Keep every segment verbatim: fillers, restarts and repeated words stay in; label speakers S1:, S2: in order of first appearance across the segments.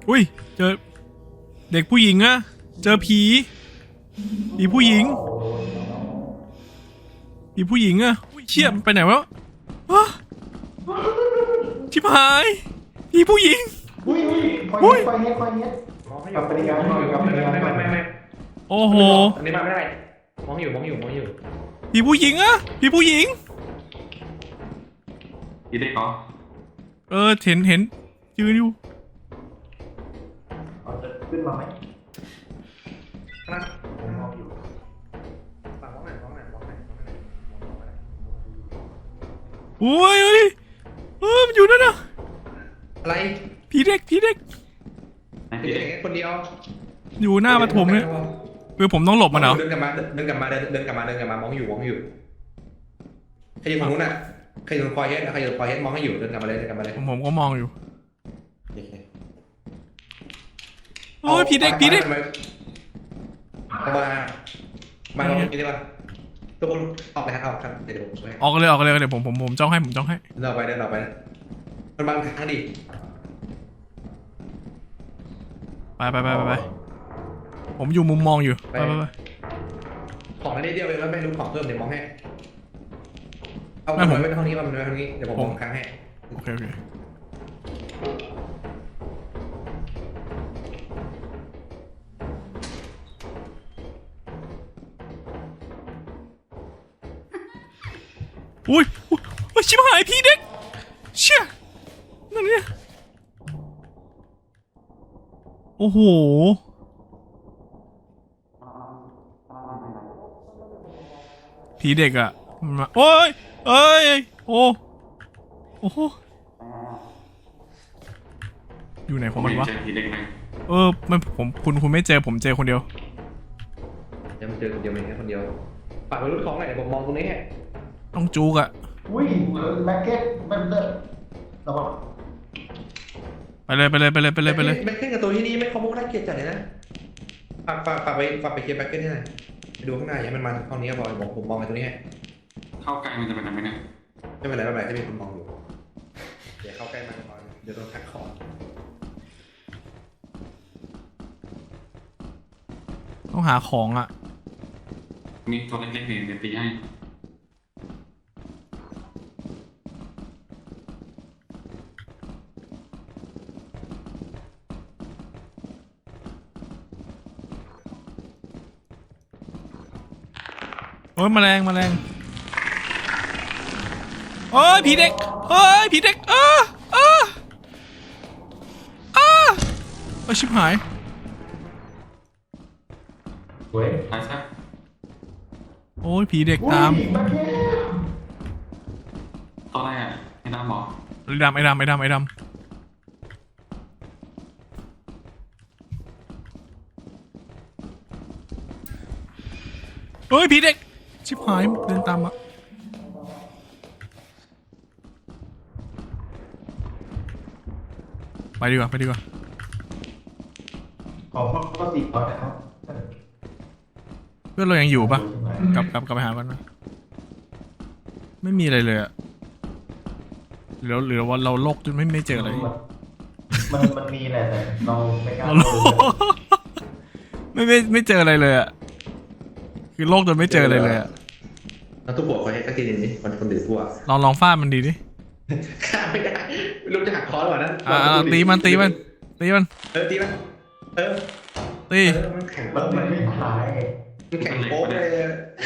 S1: อุ้ยเจอเด็กผู้หญิงอะเจอผีผีผู้หญิงผีผู้หญิงอะอุ้ยเชี่ยมันไปไหนวะชิบหายผีผู้หญิง
S2: อุ้ยอุ้ยคอยเนี้ยคอยเนี้ยคอยเนี้ยกับปริญญาหน่อยกับปริญญาหน่อยไม่ไม่
S1: โอ้โห
S2: อันนี้มาไม่ได้มองอยู่มองอยู่มองอยู่
S1: ผีผู้หญิงอะผีผู้หญิง
S3: ผีเด็กเหรอ
S1: เออเห็นเห็นยืนอยู่
S2: จะขึ้นมาไหมครับผมมองอยู่ฝั่งมองไหนมองไหนมองไหนมองไหน
S1: โอ้ยเฮ้ยเออมันอยู่นั่นน่ะ
S2: อะไร
S1: ผีเด็กผีเด็ก
S2: ผีเด็กคนเดียว
S1: อยู่หน้าปฐมเนี่ยคือผมต้องหลบมันเหรอ
S2: เดินกลับมาเดินกลับมาเดินกลับมาเดินกลับมามองอยู่มองอยู่ใครอยู่ฝั่งนู้นน่ะใครอยู่คอยเฮ็ดใครอยู่คอยเฮ็ดมองให้อยู่เดินกลับมาเลยเดินกลับมาเลย
S1: ผมผมก็มองอยู่โอ้ยผีเด็กผีเด็ก
S2: มามามาลองกินได้ป่ะทุกคนออกเลยฮะออกครับเดี๋ยวผมช่วย
S1: ออกเลยออกเลยเดี๋ยวผมผมผมจ้องให้ผมจ้องให้
S2: เดินไปเดินไปมันบางทางดิ
S1: ไปไปไปไปผมอยู่มุมมองอยู่ไปไปไป
S2: ของอันนี้เดียวเองแล้วไม่รู้ของเพิ่มเดี๋ยวมองให้เอาไปไว้ทางนี้มาไว้ทางนี้เดี๋ยวผมมองค้างให้
S1: โอเคโอเคอุ้ยอุ้ยชิบหายพี่เด็กเชี่ยนั่นเนี่ยโอ้โหผีเด็กอ่ะโอ้ยเอ้ยโอ้โอ้โหอยู่ไหนของมันวะเออมันผมคุณคุณไม่เจอผมเจอคนเดียว
S2: ยังไม่เจอคนเดียวเองแค่คนเดียวฝากไปรุ่นของหน่อยเดี๋ยวผมมองตรงนี้
S1: ต้องจูกอ่ะ
S2: อุ้ยแบ็คเก็ตแบ็คเก็ตระวัง
S1: ไปเลยไปเลยไปเลยไปเลยไปเลย
S2: แบ็คเก็ตกับตัวที่นี่ไม่คอมโบน่าเกลียดจัดเลยนะฝากฝากฝากไปฝากไปเคลียร์แบ็คเก็ตให้หน่อยไปดูข้างหน้าอย่ามันมันเท่านี้พอผมผมมองไปตรงนี้
S3: เข้าใกล้มันจะเป็นอะไรไหมเนี่ย
S2: ไม่เป็นไรไม่เป็นไรให้มีคนมองอยู่เดี๋ยวเข้าใกล้มันก่อนเดี๋ยวโดนทักคอ
S1: ต้องหาของอ่ะ
S3: มีตัวเล็กๆเนี่ยเดี๋ยวตีให้
S1: โอ้ยแมลงแมลงโอ้ยผีเด็กเฮ้ยผีเด็กเออเออเออเออชิบหาย
S2: เว้ย
S3: ตายซะ
S1: โอ้ยผีเด็กตาม
S3: ตัวอะไรอ่ะไอ้ดำบอก
S1: ไอ้ดำไอ้ดำไอ้ดำไอ้ดำเฮ้ยผีเด็กชิบหายเดินตามอะไปดีกว่าไปดีกว่า
S2: ขอพ่อพ่อติดก่อนนะครับ
S1: เพื่อนเรายังอยู่ปะกลับกลับกลับไปหากันนะไม่มีอะไรเลยอะหรือหรือว่าเราโลกจนไม่ไม่เจออะไร
S2: มันมันมีแหละแต่เราไม่กล้า
S1: ไม่ไม่ไม่เจออะไรเลยอะคือโลกจนไม่เจออะไรเลยอะ
S2: เราต้องบอกเขาให้สักทีนึงนี่คนคนดื้อพวก
S1: ลองลองฟาดมันดีดิ
S2: ฆ่าไม่ได้ไม่รู้จะหักคอหรือเปล่านะ
S1: อ่าตีมันตีมันตีมัน
S2: เออตีมันเออ
S1: ตี
S2: มันแข็งมันไม่หายมันแข็งโป๊ะเลย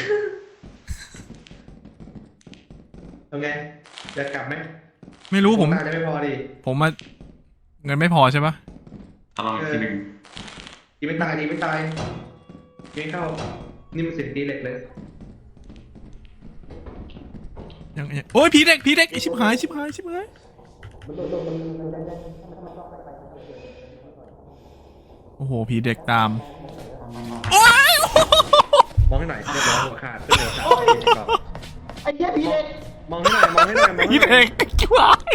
S2: ทำไงจะกลับไหม
S1: ไม่รู้ผม
S2: น่าจะไม่พอดิ
S1: ผมมาเงินไม่พอใช่ปะ
S3: ลองอีกทีหนึ่ง
S2: ยิงไม่ตายยิงไม่ตายยิงเข้านี่มันเสียงตีเหล็กเลย
S1: ยังโอ้ยผีเด็กผีเด็กชิบหายชิบหายชิบหายโอ้โหผีเด็กตาม
S2: มองให้หน่อยเรียบร้อยหัวขาดขึ้นหัวขาดไอ้เหี้ยผีเด็กมองให้หน่อยมองให้หน่อยมองให้หน่อย
S1: ผีเด็กชิบหาย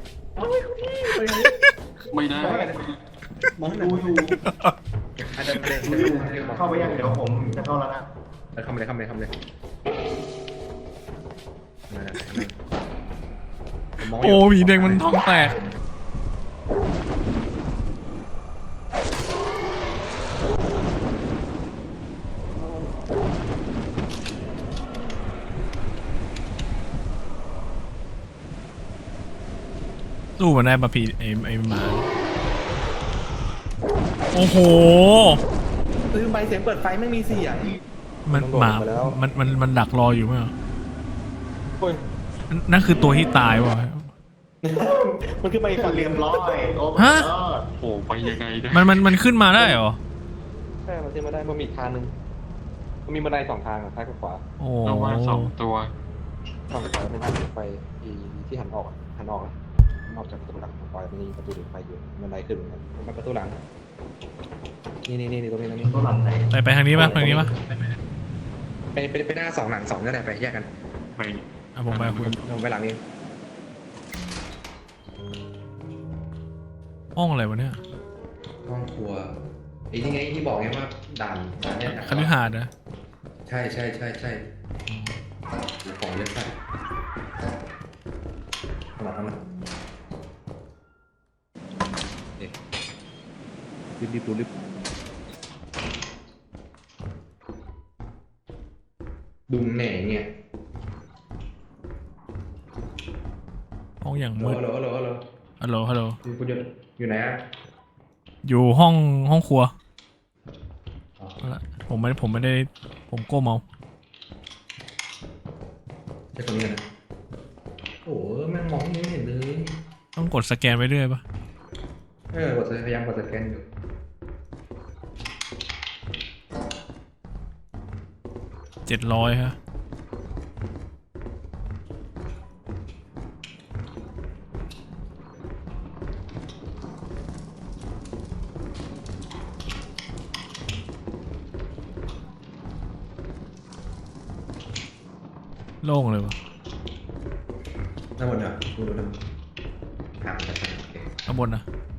S3: ไม่ได้
S2: มองให้หน่อยเข้าไปยังเดี๋ยวผมจะเข้าแล้วนะเข้าไปเลยเข้าไปเลยเข้าไปเลย
S1: โอ้ผีเด็กมันท้องแตกสู้มันได้ปะพี่ไอไอหมาโอ้โห
S2: ซื้อใบเสียงเปิดไฟไม่มีเสียง
S1: มัน
S2: มันโดด
S1: หมา
S2: ลงไปแล้ว
S1: มันมันมันดักรออยู่ไหมเหรอ
S2: โอ้ย
S1: นั่นนั่นคือตัวที่ตายวะ
S2: มันคือใบฝัน
S4: เรียบร้อยโอ้
S1: ฮะ
S3: โอ้ไปยังไงเนี่ย
S1: มันมันมันขึ้นมาได้เหรอ
S2: ใช่มันขึ้นมาได้มันมีอีกทางหนึงมันมีบันไดสองทางอะซ้ายกับขวา
S1: โอ้
S3: เราว่าสองตัว
S2: ฝั่งขวาเป็นทางไปที่ที่หันออกอะหันออกอะนอกจากประตูหลังปล่อยมันมีประตูหลังไปอยู่บันไดขึ้นเหมือนกันมันประตูหลังนี่นี่นี่ตรงนี้ตรงนี้
S4: ตัวหลังไหน
S1: ไปไปทางนี้ปะทางนี้ปะ
S2: ไปไปไปหน้าสองหลังสองก็ได้ไปแยกกัน
S3: ไป
S1: อ่ะผมไปคุณ
S2: ผมไปหลังนี้
S1: ห้องอะไรวะเนี่ย
S2: ห้องครัวไอ้นี่ไงที่บอกไงว่าด่านด่านเนี่ย
S1: คฤหาสน์นะ
S2: ใช่ใช่ใช่ใช่เดี๋ยวของเยอะไปขนาดนั้นนะเด็กรีบรีบดูรีบดุมแหน่เนี่ย
S1: ห้องอย่าง
S2: ฮัล
S1: มืด
S2: โหลฮัลโหลฮัลโหล
S1: ฮัลโหลฮัลโหล
S2: อยู่คุณอยู่อยู่ไหนอ่ะ
S1: อยู่ห้องห้องครัว
S2: อ๋อ
S1: เอาละผมไม่ผมไม่ได้ผมก้มเอา
S2: ใช่ตรงนี้นะโอ้โหแม่งมองไม่เห็นเลย
S1: ต้องกดสแกนไปเรื่อยปะ
S2: เออกดพยายามกดสแกนอยู่
S1: เจ็ดร้อยฮะโล่งเลยวะ
S2: หน้าบนอ่ะดูดูนะห่างกันไปโอเค
S1: ข้างบนนะ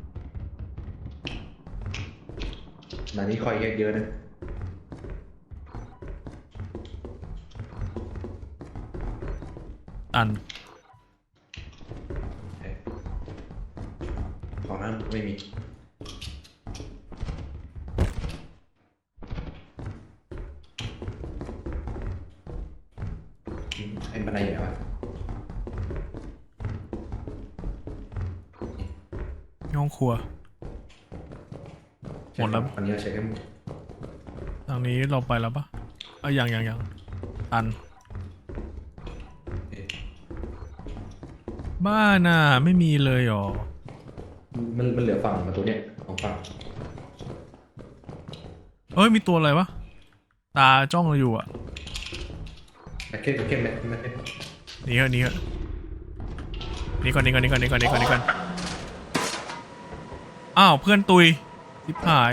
S2: หน้านี้คอยแยกเยอะนะ
S1: ตัน
S2: เอ๊ะของนั้นไม่มีอืมไอ้บันไดอยู่ไหนวะ
S1: ห้องครัว หมดแล้ว
S2: อันนี้เราเช็คให้หมด
S1: ทางนี้เราไปแล้วปะเอ้ยยังยังยังตัน
S2: เอ๊ะ
S1: บ้านน่ะไม่มีเลยหรอ
S2: มันมันเหลือฝั่งประตูเนี่ยของฝั่ง
S1: เอ้ยมีตัวอะไรวะตาจ้องเราอยู่อ่ะ
S2: แบ็คเข้มแบ็คเข้มแบ็คเข้มแบ็คเข้ม
S1: หนี่เหอะหนี่เหอะหนี่ก่อนหนี่ก่อนหนี่ก่อนหนี่ก่อนหนี่ก่อนหนี่ก่อนอ้าวเพื่อนตุยทิพหาย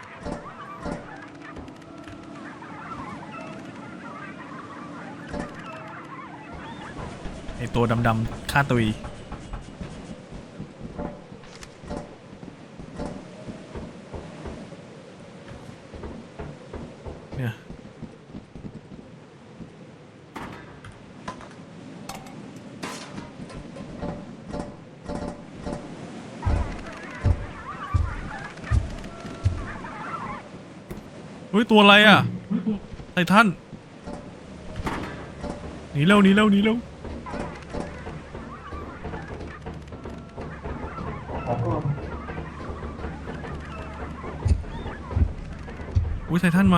S1: ไอตัวดำๆฆ่าตุยเนี่ยเฮ้ยตัวอะไรอ่ะไททันหนีเร็วหนีเร็วหนีเร็วอุ้ยไททันมา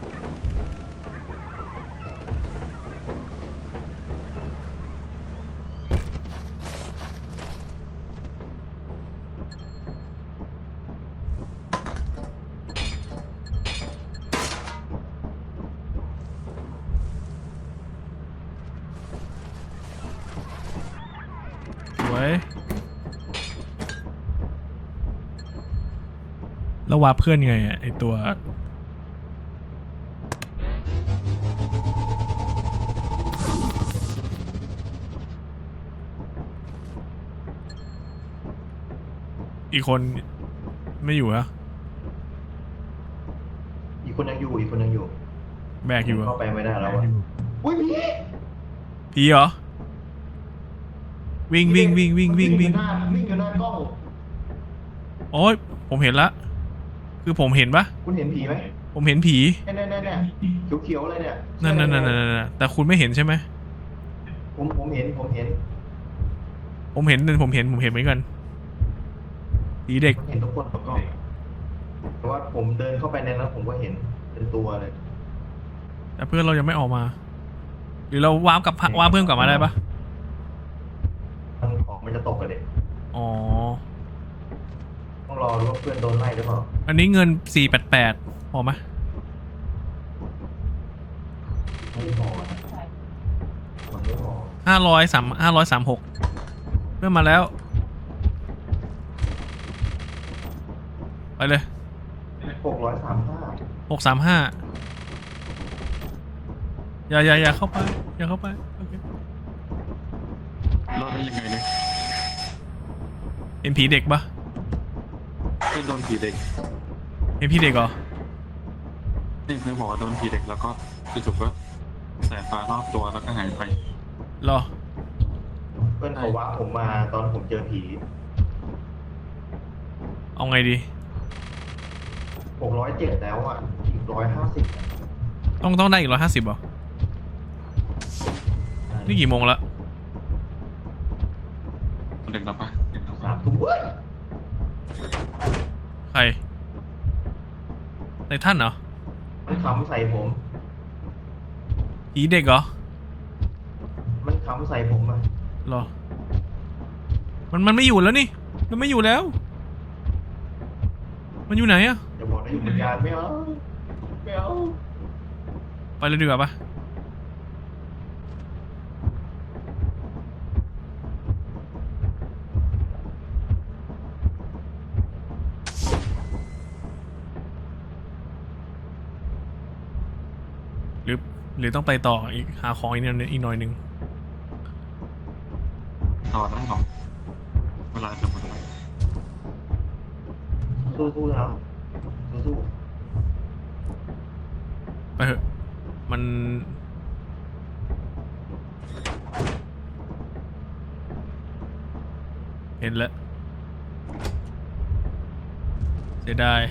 S1: สวยแล้ววาเพื่อนไงอ่ะไอตัวอีกคนไม่อยู่ฮะ
S4: อีกคนยังอยู่อีกคนยังอยู่
S1: แบกอยู่อะ
S4: เข้าไปไม่ได้แล้วอะอุ้ยพี่
S1: ผีเหรอวิ่งวิ่งวิ่งวิ่งวิ่งวิ่ง
S4: อยู่หน้าวิ่งอยู่หน้ากล้อง
S1: โอ้ยผมเห็นละคือผมเห็นปะ
S4: คุณเห็นผีไหม
S1: ผมเห็นผี
S4: แน่แน่แน่แน่เขียวๆเลยเนี่ย
S1: นั่นนั่นนั่นนั่นนั่นแต่คุณไม่เห็นใช่ไหม
S4: ผมผมเห็นผมเห็น
S1: ผมเห็นผมเห็นผมเห็นเหมือนกันผีเด็ก
S4: เห็นทุกคนก็แต่ว่าผมเดินเข้าไปในนั้นผมก็เห็นเป็นตัวเลย
S1: แต่เพื่อนเรายังไม่ออกมา หรือเราวาร์ปกับวาร์ปเพื่อนกลับมาได้ปะ
S4: มันของมันจะตกกันเด็ก
S1: อ๋อ
S4: ต้องรอดูว่าเพื่อนโดนไล่หรือเปล่า
S1: อันนี้เงินสี่แปดแปดพอไหม
S4: ไม่พอนะมันไม่พอ
S1: ห้าร้อยสามห้าร้อยสามหกเพื่อนมาแล้ว ไปเลย
S4: หกร้อยสามห้า
S1: หกสามห้าอย่าอย่าอย่าเข้าไป อย่าเข้าไปโอเค
S3: รอดได้ยังไงเนี่ย
S1: เห็นผีเด็กปะ
S3: เพื่อนโดนผีเด็ก
S1: เห็นผีเด็กเหรอ
S3: นี่เพื่อนบอกว่าโดนผีเด็กแล้วก็จู่ๆก็แสงฟ้ารอบตัวแล้วก็หายไป
S1: รอ
S4: เพื่อนเขาว่าผมมาตอนผมเจอผี
S1: เอาไงดี
S4: หกร้อยเจ็ดแล้วอ่ะอีกร้อยห้าสิบ
S1: ต้องต้องได้อีกร้อยห้าสิบเหรอ นี่กี่โมงละ
S3: เด็กแล้วปะเด็กแล้ว
S4: สา
S3: ปะ
S4: มทุ่มเว้ย
S1: ใครไททันเหรอ
S4: มันขำใส่ผม
S1: ผีเด็กเหรอ
S4: มันขำใส่ผมอ่ะ
S1: รอ มันมันไม่อยู่แล้วนี่ มันไม่อยู่แล้ว มันอยู่ไหนอะ
S4: จะบอกนะอยู่เหมือนกันไม่เอาไม่เอา
S1: ไปเลยดีกว่าปะหรือหรือต้องไปต่ออีกหาของอีกนิดอีกหน่อยหนึ่ง
S3: ต่อได้หรอเวลาจะหมดแล้ว
S4: สู้ๆนะสู้
S1: ไปเถอะ มัน เห็นแล้วเสียดาย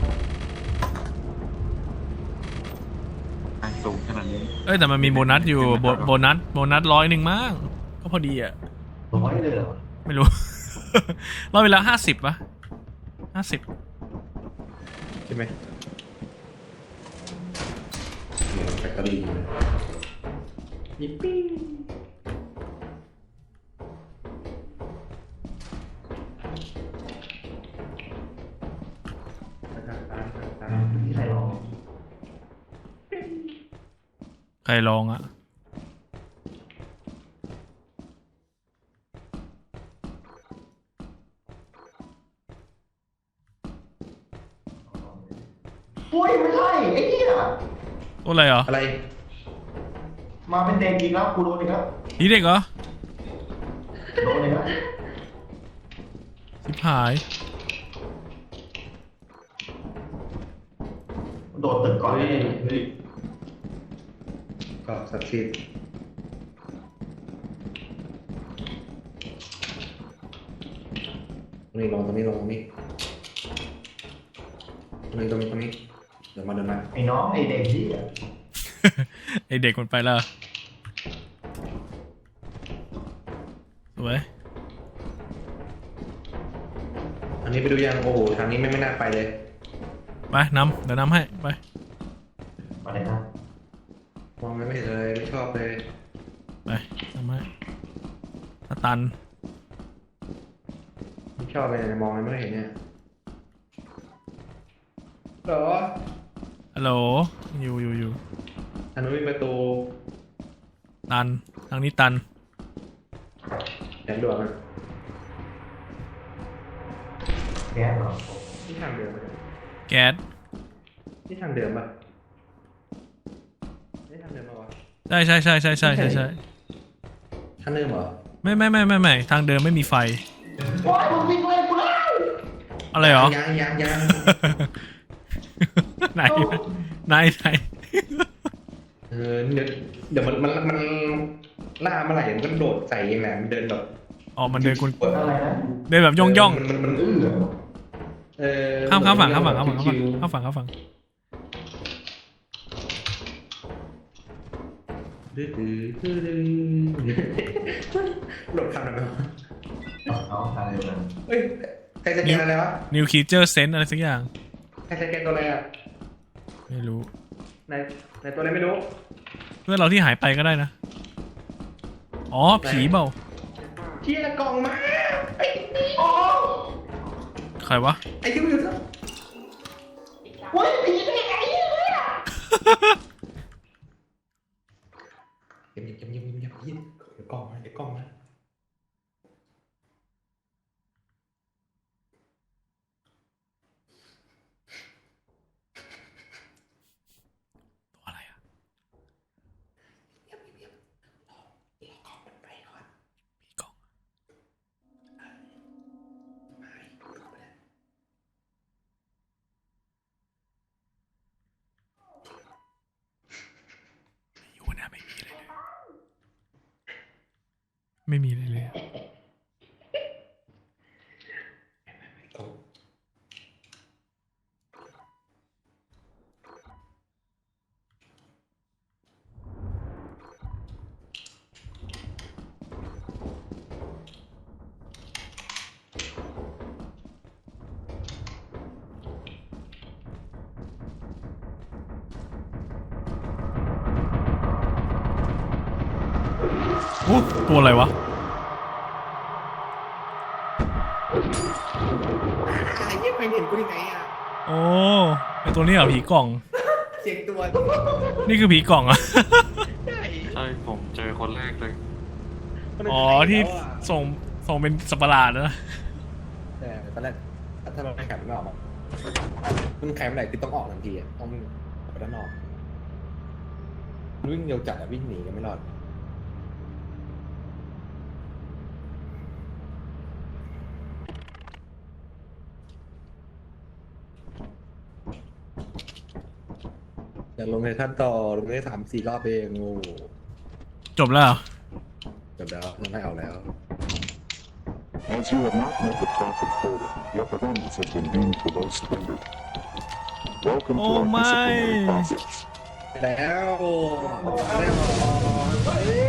S3: ไอ้สูงขนาดนี้
S1: เอ้ยแต่มันมีโบนัสอยู่โบโบนัสโบนัสร้อยหนึ่งมั้งก็พอดีอ่ะ
S4: ๆร้อยเลยเหรอ
S1: ไม่รู้ ร้อยไปแล้วห้าสิบปะห้าสิบ
S2: ใช่ไหมแบตเตอรี่ยิปปี้
S4: ที่ใครลอง
S1: ใครลองอ่ะ
S4: อุ้ยไม่ใช่ไอ้เหี้ย
S1: ตัวอะไรเหรอ
S2: อะไร
S4: มาเป็นเด็กอีกแล้วกูโดนอีกแล้ว
S1: ผีเด็กเหรอ
S4: โดนอีกแล้ว
S1: สิบหาย
S4: โดนตึกก่อนเลย
S2: ก็สักดิ์สิทธิ์ตรงนี้ลงตรงนี้ลงตรงนี้ตรงนี้ตรงนี้ตรงนี้เดี๋ยวมาเดินมา
S4: ไอ้น้องไอ้เด็กที่อ่ะ
S1: ไอเด็กมันไปแล้วสวย
S2: อันนี้ไปดูยังโอ้โหทางนี้ไม่ไม่น่าไปเลย
S1: ไปนำเดี๋ยวนำให้ไป
S4: มาเลยนะ
S2: มองไม่เห็นเลยไม่ชอบเลย
S1: ไปนำให้ถ้าตัน
S2: ไม่ชอบเลยมองไม่เห็นเนี่ยเหรอ
S1: ฮัลโหลอยู่อยู่อยู่
S2: อันนู้นมีประตู
S1: ตันทางนี้ตัน
S2: แอนด่วนอ่ะ
S4: แก๊สเหรอ
S2: ที่ทางเดิมปะ
S1: แก๊ส
S2: ที่ทางเดิมปะนี่ทางเดิมปะวะ
S1: ใช่ใช่ใช่ใช่ใช่ใช่ใช่
S2: ทางเดิมเหรอ
S1: ไม่ไม่ไม่ไม่ไม่ทางเดินไม่มีไฟ
S4: ว้ายมึงวิ่งไล่กูแล้ว
S1: อะไรเหรอ
S2: ยังยังยัง
S1: ไหนไหนไหน
S2: เออเดี๋ยวเดี๋ยวมันมันมันล่าเมื่อไหร่มันก็โดดใส่เองแหละมันเดินแบบ
S1: อ๋อมันเดินกุน
S4: อะไรนะ
S1: เดินแบบย่องย่อง
S2: มันมันมัน
S4: อื้อ
S2: เออ
S1: ข้ามข้ามฝั่งข้ามฝั่งข้ามฝั่ง
S2: ชิว
S1: ข้ามฝั่งข้ามฝั่ง
S2: ๆดื้อดื้อดื้อดื้อโดดข้ามได้ไหมวะ
S4: เอาเอาอะไรนะ
S2: เอ้ยใครสแกนอะไรวะ
S1: New Creature Sense อะไรสักอย่าง
S2: ใครสแกนตัวอะไรอ่ะ
S1: ไม่รู้
S2: ไหนไหนตัวอะไรไม่รู้
S1: เพื่อนเราที่หายไปก็ได้นะ อ๋อ ผีเปล่า
S2: เชี่ยกล่องมาไอ้นี่อ๋อ
S1: ใครวะ
S2: ไอ้ที่มันอยู่ซะโอ้ยผีเป็นยังไงเนี่ยเงียบเงียบเงียบเงียบเงียบเงียบเดี๋ยวกล้องมาเดี๋ยวกล้องมา
S1: ตัวอะไรอะ
S2: เงียบเงียบรอรอกล้องมันไปก่อน
S1: ผีกล่อง
S2: ไม่กล้องไปแล้ว
S1: อยู่นะไม่มีอะไรเลย ไม่มีอะไรเลยอะ
S2: กล้อง
S1: โอ้ตัวอะไรวะ
S2: ไอ้เหี้ยใครเห็นกูได้ไงอ่ะ
S1: โอ้ไอตัวนี้เหรอผีกล่อง
S2: เสียงตัว
S1: นี่คือผีกล่องอะ
S2: ใช่
S3: ใช่ผมเจอคนแรกเลย
S1: อ๋อที่ส่งส่งเป็นสัตว์ประหลาดนะ
S2: แต่ตอนแรกถ้าเราไม่ขับไม่ออกอะมันแข็งเมื่อไหร่คือต้องออกทันทีอ่ะต้องออกไปด้านนอกวิ่งเร็วจัดอ่ะวิ่งหนีกันไม่รอดอยากลงในขั้นต่อลงได้สามสี่รอบเองโอ้
S1: จบแล้วเหรอ
S2: จบแล้วไม่เอาแล้ว
S5: As you have not met the profit quota, your performance has been deemed below standard. Welcome to
S1: Oh
S5: our
S1: my.
S5: disciplinary process.
S2: แล้วได้หรอ